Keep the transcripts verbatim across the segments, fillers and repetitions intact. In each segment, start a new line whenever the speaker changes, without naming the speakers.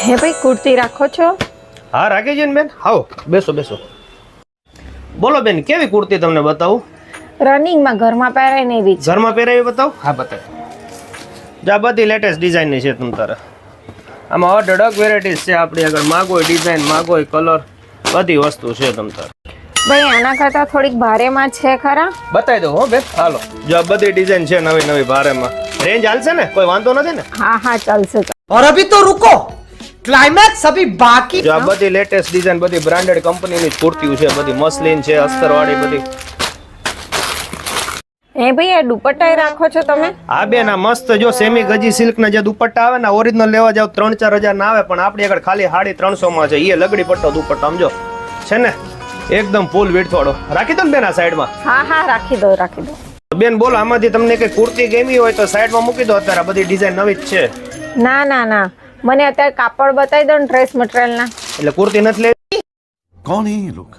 હે ભાઈ કુર્તી રાખો છો?
હા રાખી છે ને બેન. આવો બેસો બેસો. બોલો બેન, કેવી કુર્તી તમને બતાવું?
રનિંગમાં ઘરમાં પહેરાય ને એવી.
ઘરમાં પહેરાવી બતાવું? હા બતાવ. જા બધી લેટેસ્ટ ડિઝાઇનની છે તમ તારે. આમાં અઢળક વેરાયટીઝ છે આપણી આગળ. માગો ડિઝાઇન, માગો કલર, બધી વસ્તુ છે તમ તારે.
ભાઈ આના કરતા થોડીક ભારેમાં છે ખરા?
બતાવી દઉં હો બેન. હાલો જો આ બધી ડિઝાઇન છે નવી નવી ભારેમાં. રેન્જ હાલશે ને? કોઈ વાંધો નથી ને?
હા હા ચાલશે.
और अभी तो रुको, क्लाइमैक्स अभी बाकी।
જો આ બધી લેટેસ્ટ ડિઝાઇન, બધી બ્રાન્ડેડ કંપનીની કુર્તીઓ છે, બધી મસલિન છે, અસ્તર વાળી બધી.
હે ભાઈ આ દુપટ્ટા રાખો છો તમે?
હા બેન, આ મસ્ત જો સેમી ગજી સિલ્ક ના જે દુપટ્ટા આવે ને, ઓરિજિનલ લેવા જાવ ત્રણ ચાર હજાર ના આવે, પણ આપણી આગળ ખાલી સાડી ત્રણસો માં છે. એ લગડી પટ્ટો દુપટ્ટો સમજો છે ને, એકદમ ફૂલ વિડથ વાળો. રાખી દો ને બેન આ સાઈડમાં.
હા હા રાખી દો રાખી દો.
બેન બોલો, આમાંથી તમને કઈ કુર્તી ગમી હોય તો સાઈડમાં મૂકી દો. અત્યારે બધી ડિઝાઇન નવી જ છે.
ના ના ના, મને અત્યારે કાપડ બતાવી દો ને ડ્રેસ મટીરિયલ ના.
એટલે કુર્તી નથી લેવી?
कौन है ये लोग?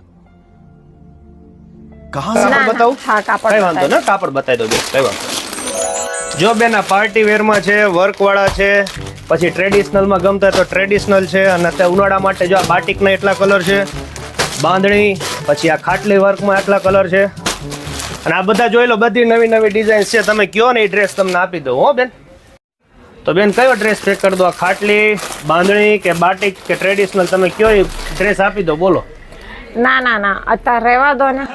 कहाँ से?
કાપડ બતાવું?
હા કાપડ
કઈ વાંધો ને, કાપડ બતાવી દો બેન, કઈ વાંધો. જો બેન આ પાર્ટી વેર માં છે, વર્ક વાળા છે, પછી ટ્રેડિશનલ માં ગમતા તો ટ્રેડિશનલ છે, અને અત્યારે ઉનાળા માટે જો આ બાટિક ના એટલા કલર છે, બાંધણી, પછી આ ખાટલી વર્ક માં એટલા કલર છે, અને આ બધા જોઈ લો, બધી નવી નવી ડિઝાઇન છે. તમે કયો ને એ ડ્રેસ તમને આપી દો હો બેન. તો બેન કયો ડ્રેસ પેક કરી દો? આ ખાટલી, બાંધણી કે બાટિક કે ટ્રેડિશનલ, તમે કયો એ ડ્રેસ આપી દો. બોલો.
ના ના ના, અત્યારે રહેવા દો ને.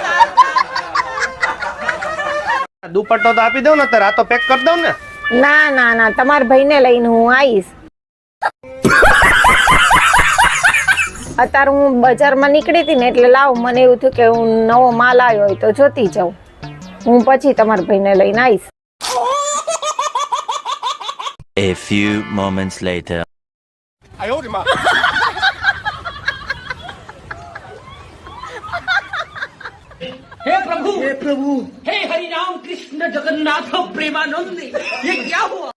દુપટ્ટો તો આપી દઉં ને અત્યારે. આ તો પેક કરી દઉં ને.
ના ના ના, તમારા ભાઈને લઈને હું આવીશ. અત્યારે હું બજારમાં નીકળી હતી ને એટલે લાવ, મને એવું થયું કે હું નવો માલ આવ્યો હોય તો જોતી જાઉં. હું પછી તમારા ભાઈને લઈને આવીશ.
A few moments later.
हे प्रभु हे प्रभु हे हरि राम कृष्ण जगन्नाथ प्रेमानंद, ये क्या हुआ?